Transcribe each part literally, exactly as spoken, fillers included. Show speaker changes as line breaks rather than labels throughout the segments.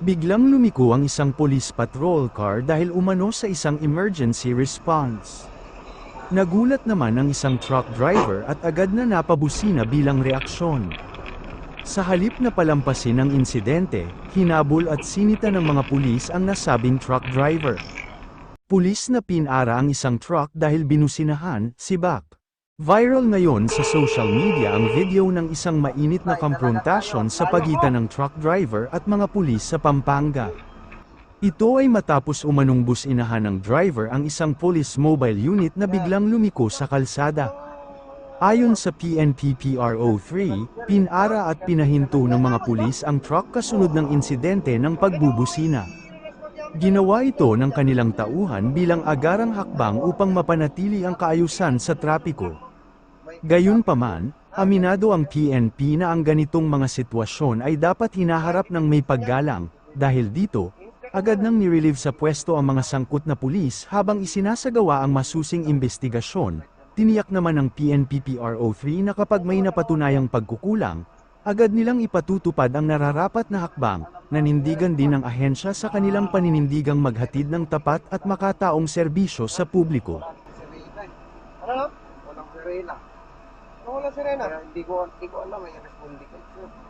Biglang lumiko ang isang police patrol car dahil umano sa isang emergency response. Nagulat naman ang isang truck driver at agad na napabusina bilang reaksyon. Sa halip na palampasin ang insidente, hinabol at sinita ng mga pulis ang nasabing truck driver. Pulis na pinara ang isang truck dahil binusinahan, sibak. Viral ngayon sa social media ang video ng isang mainit na komprontasyon sa pagitan ng truck driver at mga pulis sa Pampanga. Ito ay matapos umanong businahan ng driver ang isang police mobile unit na biglang lumiko sa kalsada. Ayon sa P N P P R O three, pinara at pinahinto ng mga pulis ang truck kasunod ng insidente ng pagbubusina. Ginawa ito ng kanilang tauhan bilang agarang hakbang upang mapanatili ang kaayusan sa trapiko. Gayunpaman, aminado ang P N P na ang ganitong mga sitwasyon ay dapat hinaharap ng may paggalang, dahil dito, agad nang nirelieve sa pwesto ang mga sangkot na pulis habang isinasagawa ang masusing investigasyon. Tiniyak naman ng P N P P R O three na kapag may napatunayang pagkukulang, agad nilang ipatutupad ang nararapat na hakbang. Nanindigan din ng ahensya sa kanilang paninindigang maghatid ng tapat at makataong serbisyo sa publiko.
Ano? Walang sirena. Ano walang sirena? Kaya hindi ko, hindi ko alam, may respondi ka.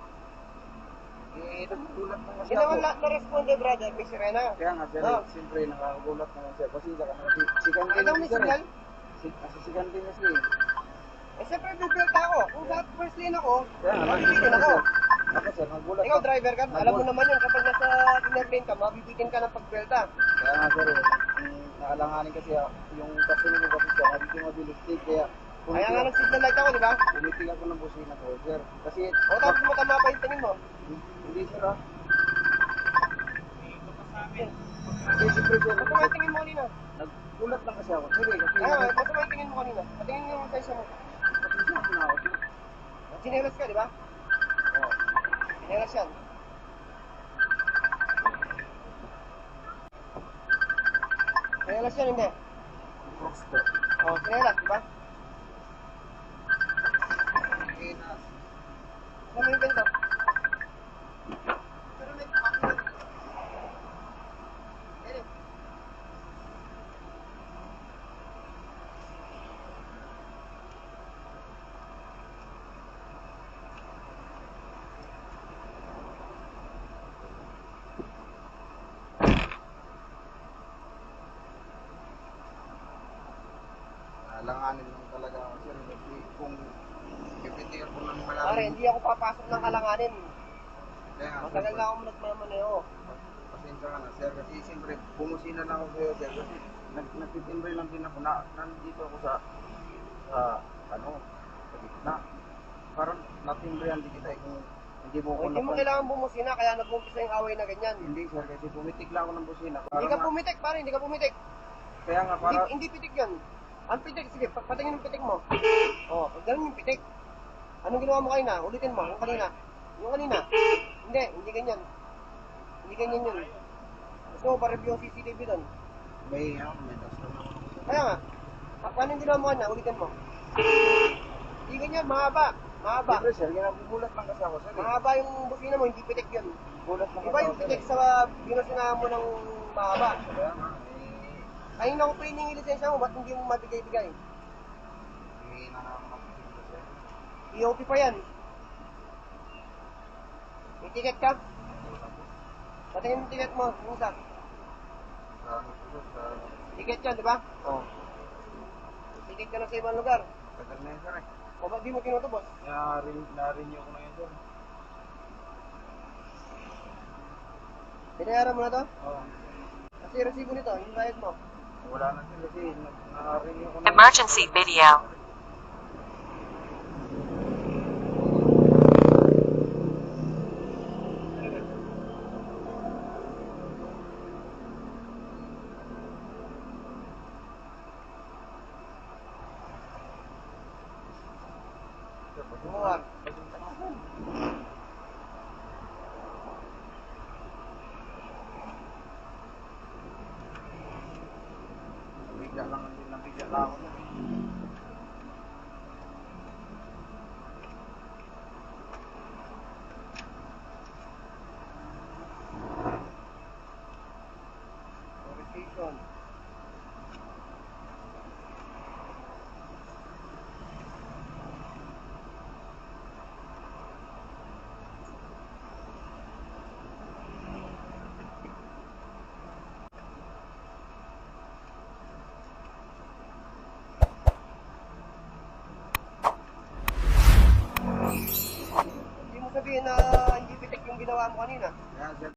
Eh, naggulat na kasi
Hindi naman
ako.
lahat na-responde, brother, may sirena.
Kaya nga, sir,
Oh.
siyempre nakagulat na siya. Pasensya ka na kasi sikan din
Ano may
sir.
signal?
Si- Kasi sikan din kasi.
Eh, siyempre, bibelta ako. Kung sa first lane ako,
Kaya nga,
mabibitin ako.
Ako sir, nagulat.
Ikaw, driver ka, alam mo
Nagulat.
naman yun, kapag nasa inner lane ka, mabibitin ka ng pagbelta.
Kaya nga sir, eh, yung naalanganin kasi ah, yung kasunod ko kasi siya, hindi ko mabilis take, kaya
Kaya nga nag-signal light ako, di ba?
pumitig ako ng busina ko, sir. Kasi,
O tapos matama pa yung tingin mo.
hindi sir ah. Kasi siyempre sir,
Masama yung tingin mo kanina.
nagulat lang kasi ako, sir eh, kasi
Kaya nga, masama yung tingin mo kanina. Patingin mo sa isa mo.
pasensya ko na ako, sir.
Sinelas ka, di ba?
Oo.
Sinelas yan. Sinelas yan, hindi.
Crocs po.
O, sinelas, di ba?
Eh, na-
Ano yung ganito?
Alanganin lang talaga ako, sir. Kasi kung pipitigan ko ng
Pare,
malalim,
hindi ako papasok ng kalanganin.
kaya nga,
Matagal
sir,
na ako nagmamaneo.
pasensya ka na, sir. Kasi siyempre, bumusina na ako sa'yo, sir. Kasi nag nagtitimbre lang din ako na nandito ako sa, sa, ano, sa gitna. Parang natimbrihan din kita eh, kung hindi mo ko
Hindi mo
napan-
kailangan bumusina, kaya nag-umpisa yung away na ganyan.
Hindi, sir, kasi pumitik lang ako ng busina.
Hindi
Parang
ka
nga-
pumitik, pare, hindi ka pumitik.
Kaya nga,
Hindi,
para,
hindi pitik yun. Ang pitik, sige, pa- patingin yung pitik mo. Oo, oh, ganun yung pitik. Anong ginawa mo kanina? Ulitin mo, yung kanina. Yung kanina. Hindi, hindi ganyan. Hindi ganyan yun. Gusto mo pa-review ang C C T V doon.
may, ano, may dasal na ako.
Kaya nga, pa- paano yung ginawa mo kanina? Ulitin mo. Hindi ganyan, mahaba. Mahaba.
Siyempre, sir, ginagulat lang kasi ako, sir. eh.
Mahaba yung busina mo, hindi pitik yun.
Gulat lang
Iba
kasi
yung
ako, sir,
pitik
eh.
sa binusinahan mo ng mahaba.
Kaya nga, eh,
Kanina ko pa hiningi lisensya mo, ba't hindi mo mabigay-bigay?
hindi na naman ako, sir.
E O P pa yan. May ticket ka? Patingin yung ticket mo, yung isa.
Sa ano po, sir, sa...
Ticket yan, di ba?
Oh,
Ticket ka na sa ibang lugar.
tagal na yun, sir, eh.
O ba't di mo tinutubos?
Na-renew na-renew ko na yun, sir.
Binayaran mo na to?
Oo.
Kasi resibo nito, yung bayad mo.
Wala na, sir, kasi na- na-renew ko na.
Emergency video.
Kumuha.
Nabigla lang, nabigla lang ako. sir.
sabihin na hindi pitik yung ginawa mo kanina.
Kaya, sir,